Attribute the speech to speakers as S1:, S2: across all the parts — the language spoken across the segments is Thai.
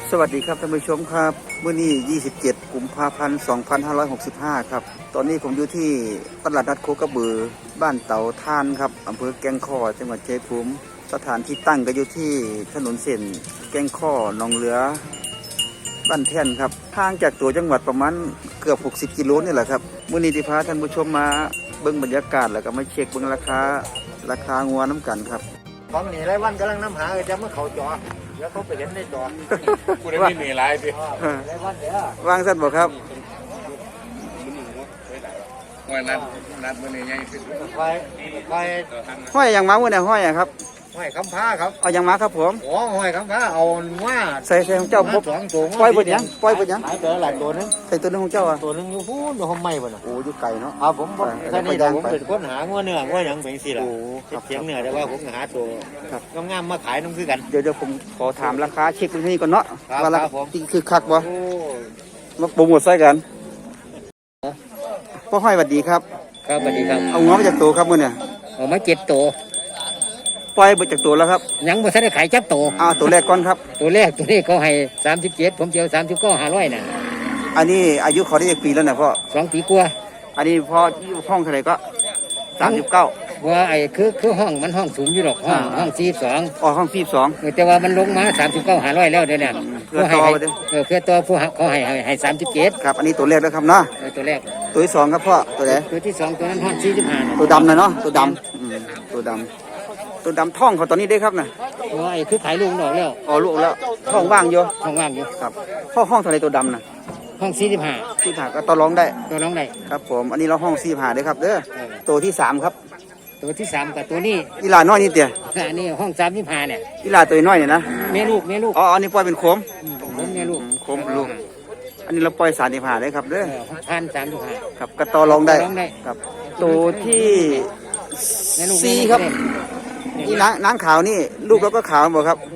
S1: สวัสดีครับท่านผู้ชมครับมื้อนี้27กุมภาพันธ์2565ครับตอนนี้ผมอยู่ที่ตลาดนัดโคกระบือบ้านเต่าท่านครับอำเภอแก่งข้อจังหวัดชัยภูมิสถานที่ตั้งก็อยู่ที่ถนนเส้นแก่งข้อหนองเหลือบ้านแท่นครับทางจากตัวจังหวัดประมาณเกือบ60กิโลนี่แหละครับมื้อนี้ที่พาท่านผู้ชมมาเบิ่งบรรยากาศแล้วก็มาเช็คเบิ่งราคางัวน้ำกันครับ
S2: ของหนีไรวันกำลังน้ำหาจะเมื่อเขาจอแล้วเขาไปเห็นในจอ
S3: กูได้ไม่มีไรสิ
S2: ไรวันเดี๋ยว
S1: วางสั้นบ่ครับ
S3: วันนัดวันนี้ยังสิ
S2: ไป
S1: ห้อยอย่างมามื้อนี้ห้อยอะครับ
S2: ห้อยคำพ้าครับ
S1: เอาอย่างมาครับผม
S2: อ๋อห้อยคำพ้าเอาว่า
S1: ใส่ของเจ้า
S2: สองตัว
S1: ปล่อยบนยังปล่อยบนยัง
S2: หลายตัวหลายตัวนึง
S1: ใส่ตัวนึงของเจ้าอ่ะ
S2: ตัวนึงอยู่พูนอยู่ห้องไม้บ่น่ะ
S1: โอ้อยู่ไก่เนาะ
S2: ผมแค่นี้ผมเป็นคนหางัวเนื้องัวหยังเป็นสิล่ะเสียงเนื้อแต่ว่าผมหาตัวงามมาขายน้ำคือกัน
S1: เดี๋ยวผมขอถามราคาเช็คตรงนี้ก่อนเนาะว่าราคาคือคักบ่มาโปรโมทใส่กันพ่อห้อยสวัสดีครับ
S2: ครับสวัสดีครับ
S1: เอาง้อมาจากตัวครับมื้อเนี่ย
S2: เอามา7ตัว
S1: ปล่อยไปจากตัวแล้วครับ
S2: ยังบ่ทันได้ขายจักตัว
S1: ตัวแรกก่อนครับ
S2: ตัวแรกตัวนี้เขาให้37ผมเจียว39 500น่ะ
S1: อันนี้อายุเขาได้กี่ปีแล้วนะพ่อ
S2: 2 ปีกว่า
S1: อันนี้พ่อห้องเท่าไหร่ก็39
S2: ว่าไอ้คือห้องมันห้องสูงอยู่หรอกห้อง42
S1: ห้อง42
S2: แต่ว่ามันลงมา39 500แล้วเดี๋ยวนี้
S1: เพื่อต่อ
S2: เพื่อต่อผู้เขาให้37
S1: ครับอันนี้ตัวแรกแล้วครับเนาะ
S2: ตัวแรก
S1: ตัวที่2ครับพ่อตัวไหน
S2: ตัวที่2ตัวนั้นห้อง45
S1: ตัวดำนะเนาะตัวดำท่องเขาตอนนี้ได้ครับนะ
S2: ว่าไอ้คือขายลูกออกแล้ว
S1: ลูกแล้วท่องว่างอยู่ครับพ่อห้องเท่าไหร่ตัวดำนะ
S2: ห้อง45
S1: ก็ต่อรองได้
S2: ครับ
S1: ผมอันนี้เราห้อง45ได้ครับเด้อตัวที่3ครับ
S2: ตัวที่3กับตัวนี้
S1: อีหลาน้อยนี่เตี้ย
S2: อันนี้ห้อง35เนี่ย
S1: อีหลาตัวน้อยเนี่ยนะ
S2: แม่ลูก
S1: อันนี้ปล่อยเป็นโคม
S2: แม่ลูก
S1: อันนี้เราปล่อย35ได้ครับเด้อ
S2: 1,035
S1: ครับก็ต่อรองได้ครับตัวที่4ครับนี่นางขาวนี่ลูกแล้วก็ขาวหมดครับ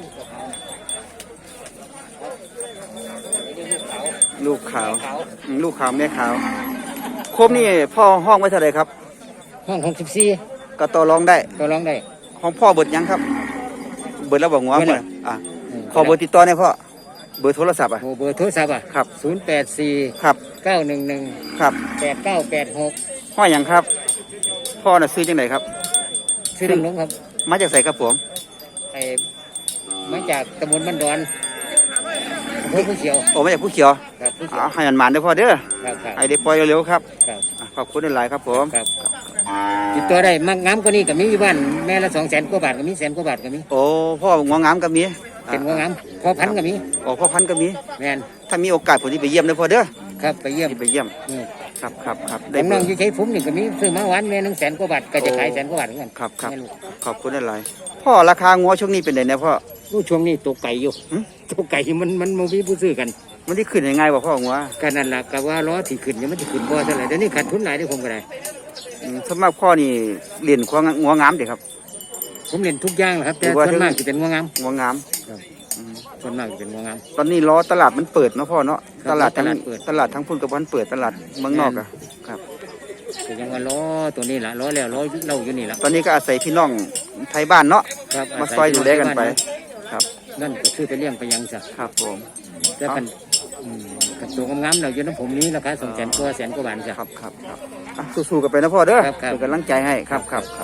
S1: ลูกขาวแม่ขาวครบนี่พ่อห้องไว้เท่าไหร่ครับ
S2: ห้อง64
S1: ก็ต่อรองได้ของพ่อเบิดยังครับเบิดแล้วบอกว่าขอเบอร์ติดต่อหน่อยพ่อเบอร์โทรศัพท์
S2: เบอร์โทรศัพท์
S1: ครับ
S2: 084
S1: ครับ
S2: 911
S1: ครับ
S2: 8986
S1: ห้อยยังครับพ่อน่ะซื้อจังไหนครับ
S2: ซื้อลงครับ
S1: มาจากไสครับผม
S2: มาจากตำบลบ้านดอนผู้เขียว
S1: มาจากผู้เขียวให้มันหมันได้พ่อเด้อให้ได้ปล่อยเร็วๆครับขอบคุณหลายครับผม
S2: ติดตัวได้มักงามกว่านี้ก็มีอยู่บ้านแม่ละ200,000 กว่าบาทก็มี100,000 กว่าบาทก็มี
S1: พ่ององามก็มี
S2: เป็นงองามพ่อพันก็มี
S1: พ่อพันก็มี
S2: แม่น
S1: ถ้ามีโอกาสผมจะไปเยี่ยมเลยพ่อเด้อ
S2: ครับไปเยี่ยม
S1: ครับ
S2: ได้น้องอยู่ใช้ผมนี่ก็มีซื้อมาวันแม่100,000 กว่าบาทก็จะขาย100,000 กว่าบาทเหมือนกัน
S1: ครับขอบคุณหลายพ่อราคางัวช่วงนี้เป็นไงเนี่ยพ่อ
S2: ช่วงนี้ตกไก่อยู่ตกไก่มันมีผู้ซื้อกัน
S1: มันที่ขึ้นยังไงบ่พ่องัว
S2: กันนั่นล่ะก็ว่าล้อที่ขึ้นยังมันจะขึ้นบ่เท่าไหร่เดี๋ยวนี้ขาดทุนหลายได้ผมก็ได้
S1: สมมติพ่อนี่เรียนงัวงามเด็กครับ
S2: ผมเรียนทุกอย่างครับแต่ส่วนมากจะเป็นงัวงามส่วนมากจะเป็นงัวงาม
S1: ตอนนี้ล้อตลาดมันเปิดเนาะพ่อเนาะตลาดทั้งพุ่นกับมันเปิดตลาดเมืองนอกอะครับ
S2: แต่ยังว่าล้อตัวนี้ล่ะล้อแล้วล้อเราอยู่นี่ล่ะ
S1: ตอนนี้ก็อาศัยพี่น้องไทยบ้านเนาะมาซอยดูแลกันไปครับ
S2: นั่นก็คือไปเลี้ยงไปยังซะ
S1: ครับผม
S2: แต่กันกับตัวงามๆเราอยู่น้ำผมนี้ราคา200,000 กว่า100,000 กว่าบาทจ้ะ
S1: ครับสู้ๆกันไปนะพ่อเด้อเป็นกำลังใจให้ครับ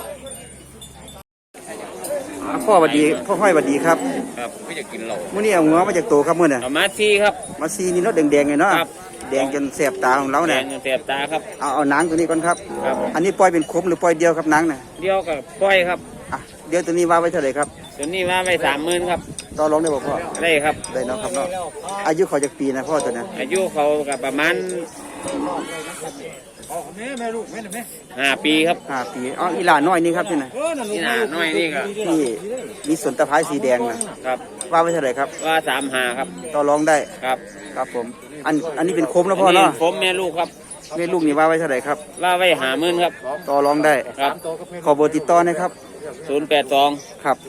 S1: พ่อสวัสดีพ่อห้อยสวัสดีครับ
S3: ไม่จะกินเหล้า
S1: มื้อนี้เอางัวมาจากโตครับมื้อน่ะ
S3: มาซีครับ
S1: มาซีนี่เนาะแดงๆไงเนาะแดงจนแสบตาของเราเนี่ย
S3: แดงจนแสบตาครับ
S1: เอาหนังตัวนี้ก่อนครับอันนี้ปล่อยเป็นคมหรือปล่อยเดียวครับหนังน่ะ
S3: เดียวกับปล่อยครับ
S1: เดี๋ยวตัวนี้ว่าไว้เท่าไหร่ครับ
S3: ตัวนี้ว่าไว้30,000ครับ
S1: ต่อรองได้บ่พ่อ
S3: ได้ครับ
S1: ได้เนาะครับเนาะอายุเขาจากปีนะพ่อตัวนี้
S3: อายุเขากับประมาณ5 ปีครับ
S1: 5 ปีอีหลาน้อยนี่ครับที่ไหน
S3: อีหลาน้อยนี่ก็
S1: ที่มีส่วนตะไคร้สีแดงนะครับว่าไว้เท่าไหร่ครับ
S3: ว่า35ครับ
S1: ต่อรองได้ครับผมอันนี้เป็นคมแล้วพ่อเนาะ
S3: คมแม่ลูกครับ
S1: แม่ลูกนี่ว่าไว้เท่าไหร่ครับ
S3: ว่าไว้50,000ครับ
S1: ต่อรองได้
S3: ครับ
S1: ขอเบอร์ติดต่อนะครับ
S3: 082
S1: ครับ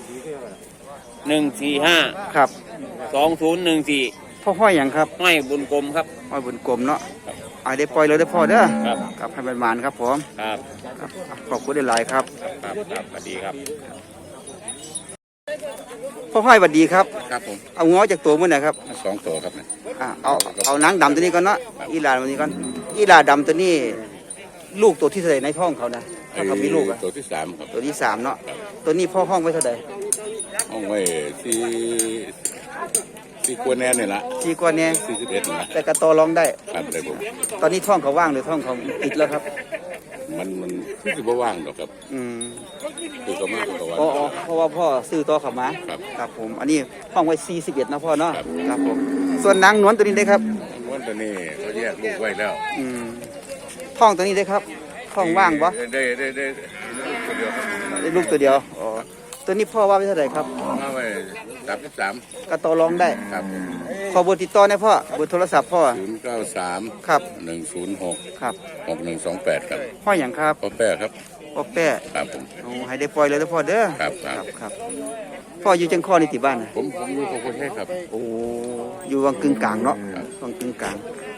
S3: 145
S1: ครับ
S3: 2014
S1: พ่อห้อยอย่างครับ
S3: ห้อยบุญกลมครับ
S1: ห้อยบุญกลมเนาะได้ปล่อยเลยได้พ่อเด้อครับให้มันหมานครับผมขอบคุณหลายครับ
S3: สวัสดีครับ
S1: พ่อห้อยหวัดดีครับ
S4: ครับผม
S1: เอาง้อจากตัวมื้อไหนครับ
S4: 2 ตัวครับเนี่ย
S1: เอานางดำตัวนี้ก่อนเนาะอีหลาตัวนี้ก่อนอีหลาดำตัวนี้ลูกตัวที่เท่าไหร่ในท้องเขานะถ้าเขามีลูกอะ
S4: ตัวที่3ครับ
S1: ตัวที่3เนาะตัวนี้พ่อห้องไว้เท่าไหร่
S4: ห้องไว้ที่กวนแน่นี่ละ
S1: 4กว่าเนี่ย
S4: 41นี่ละ
S1: แต่กระตอร้องได้
S4: ครับเลยผม
S1: ตอนนี้ท้องเขาว่างหรือท้องเขาติดแล้วครับ
S4: มันคือสิบ่ว่างดอกครับ
S1: อืม
S4: คือก็มากกว่า
S1: อ๋อเพราะว่าพ่อซื้อต่อเขามา
S4: ครับ
S1: ครับผมอันนี้ห้องไว้41นะพ่อเนาะ
S4: ครับ
S1: ครับผมส่วนนางนวลตัวนี้ได้ครับ
S4: ม้วนตัวนี้เขาแยกลูกไว้แล้ว
S1: อืมท้องตัวนี้ได้ครับท้องว่างปะ
S4: ได้ลูกตัวเดียวครับ
S1: ได้ลูกตัวเดียวอ๋อตัวนี้พ่อว่าไว้เท่าไหร่ครับ
S4: มาไว้33
S1: กระตอร้องได้
S4: ครับ
S1: ขอเบอร์ติดต่อหนะพ่อเบอร์โทรศัพท์พ่อ
S4: 093
S1: ครับ
S4: 106
S1: ครับ
S4: 6128ครับ
S1: พ่ออย่างครับ
S4: พ่อแป้ครับ
S1: พ่อแป้
S4: ครับผม
S1: โอ้ให้ได้ปล่อยเลยแล้วพ่อเด้อ
S4: ครับ
S1: ครับพ่ออยู่จังข้อนี่ติบ้านน่ะ
S4: ผมอยู่กับคนให้ครับ
S1: โอ้อยู่วังกึ่งกลางเนาะ
S4: ครับ
S1: วังกึ่งกลาง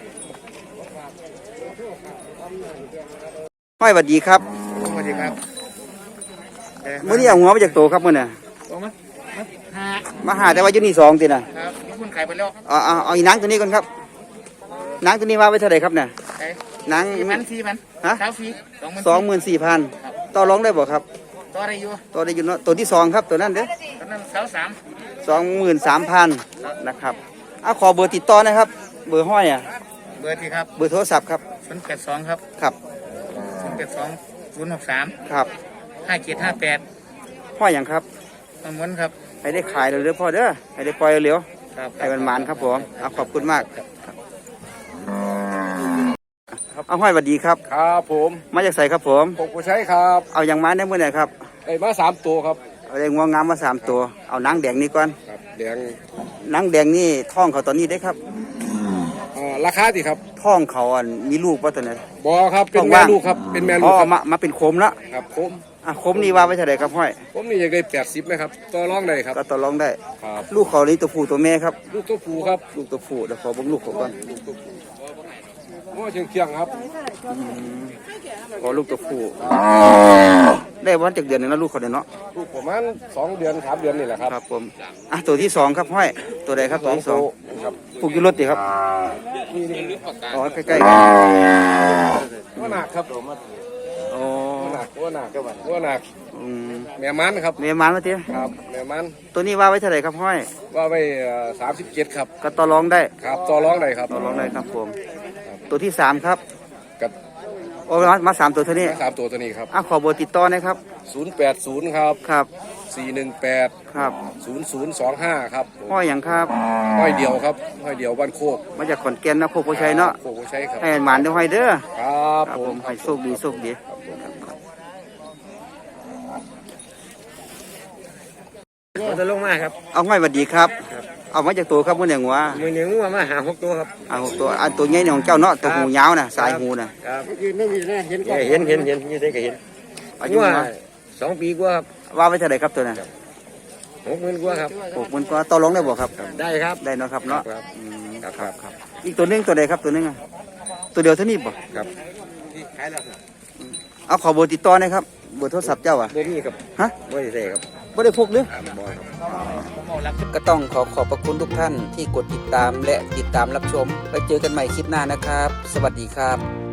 S1: ห้อยหวัดดีครับ
S2: สวัสดีครับ
S1: มื้อนี้เอาหัวมาจากโตครับมื้อน่ะ
S2: บอกมาหา
S1: มาหาแต่ว่าอยู่นี่2ติน่ะ
S2: ครับมีคนขายไปแล้ว
S1: เอาอีนางตัวนี้ก่อนครับนางตัวนี้ว่าไว้เท่าไหร่ครับเนี่ย
S2: ขาย
S1: นาง
S2: 4,000
S1: ฮะ
S2: เช้าฟรี
S1: 24,000ต่อรองได้บ่ครับ
S2: ต่อได้อยู่
S1: ตัวได้อยู่เนาะตัวที่2ครับตัวนั้นเด้อ
S2: ตอนนั้นเช้า
S1: 23,000นะครับเอาขอเบอร์ติดต่อนะครับ เบอร์ห้อยอ่ะ
S2: เบอร์ที่ครับ
S1: เบอร์โทรศัพท์ครับ
S2: 082ครับ
S1: ครับ
S2: 082 063
S1: ครับ
S2: 5758
S1: ห้อยอย่างครับ
S2: มันม้วนครับ
S1: ให้ได้ขายเร็วๆพ่อเด้อให้ได้ปล่อยเร็ว
S2: ครับ
S1: ๆให้มันหมานครับผมเอาขอบคุณมากเอาห้อยหวัดดีครับ
S5: ครับผม
S1: มาจากใส่ครับผม
S5: ผมผู้ใช้ครับ
S1: เอาอย่างมาได้เมื่อไหร่ครับ
S5: ไอ้มา3 ตัวครับ
S1: เอาได้งวงงามมา3ตัวเอานางแดงนี่ก่อน
S5: ครับแดง
S1: นางแดงนี่ท้องเขาตอนนี้ได้ครับ
S5: ราคาสิครับ
S1: ท้องเขาอันมีลูกป่ะตัวนั้น
S5: บอครับเป็น
S1: ของ
S5: แม่
S1: ว่าง
S5: ลูกครับเป็นแม่
S1: อ๋
S5: ลู
S1: อก
S5: ครับ
S1: มาเป็นโคมละ
S5: ครับผม
S1: โคมนี่ว่าไว้เท่าไหร่ครับห้อย
S5: ผมนี่อยากได้80ไหมครับต่อรองได้ครับ
S1: ก็ต่อรองได้
S5: ครับ
S1: ลูกเขานี่ตัวผู้ตัวแม่ครับ
S5: ลูกตัวผู้ครับ
S1: ลูกตัวผู้เดี๋ยวขอเบ่งลูกเขาก่อน
S5: ลูกตัวผู้ง้อเชียงครับ
S1: ขอลูกตัวผู้ได้วันจากเดือนหนึงแล้วลูกเขาเนี่ยเนาะ
S5: ลูกประมาณ2 เดือน3 เดือนนี่แหละครับ
S1: ครับผมตัวที่2ครับห้อยตัวใดครับตัวที่
S5: ตัว
S1: 2
S5: ครับ
S1: ปลูกอยู่รถดิครับ
S5: นี่
S1: อ๋อใกล้ๆกัน
S5: ว่าหนักครับ
S1: อ๋อ
S5: ว่าหนักว่าหนักว่าหนัก
S1: อืม
S5: แม่มันครับ
S1: แม่มันมาเตี้ย
S5: ครับแม่มัน
S1: ตัวนี้ว่าไว้เท่าไหร่ครับห้อย
S5: ว่าไป37ครับ
S1: ก็ต่อรองได้
S5: ครับต่อรองได้ครับ
S1: ต่อรองได้ครับผมตัวที่3ครับ
S5: กับ
S1: โอ้มา3ตัวเท่านี้
S5: 3 ตัวตัวนี้ครับ
S1: ขอเบอร์ติดต่อนะครับ
S5: 080ครับ
S1: ครับ
S5: 418
S1: ครับ
S5: 0025ครับ
S1: ห้อยอย่างครับ
S5: ห้อยเดียวครับห้อยเดียวบ้านโคก
S1: มาจากขอนแก่นนะโคกโพชัยเนาะ
S5: โคกโพชัยครับ
S1: ให้หมานเด้อห้อยเด้อ
S5: ครับ
S1: ครับ
S5: ผ
S1: ผม มให้โชคดีโชคดี
S2: จะลงมาครับ
S1: เอาห้อยหวัดดีครับ เอามาจากตัวครับมื่อเนี่ยงัว
S2: มือเหนียวงัวมาหา6ตัวครับ
S1: ตัวอันตัวใหญ่เนี่ยของเจ้าเนาะตัวหูยาวน่ะสายหูน่ะ
S2: ครับ
S3: ยืนไม่มีนะเห็น
S2: เห็นยี่ได้ก็เห็น
S1: อายุ
S2: งัว
S1: มา
S2: 2 ปีกว่าครับ
S1: ว่าไว้เท่าไหร่ครับตัวน่ะ
S2: 60,000กว่าครับ
S1: 60,000ก็ต่อรองได้บ่ครับ
S2: ได้ครับ
S1: ได้เนาะครับเนาะ
S2: ครับ
S1: อืม
S2: ครับ
S1: อีกตัวหนึงตัวใดครับตัวหนึงอะตัวเดียวเท่านี้บ่
S2: ครับ
S1: เอาขอเบอร์ติดต่อหนะครับเบอร์โทรศัพท์เจ้าอ่ะ
S2: บ่มีครับ
S1: ฮะ
S2: บ่ได้ใส่ครับ
S1: บ่ได้พกหรือ
S2: บ่ครับ
S1: ก็ต้องขอบพระคุณทุกท่านที่กดติดตามและติดตามรับชมไว้เจอกันใหม่คลิปหน้านะครับ สวัสดีครับ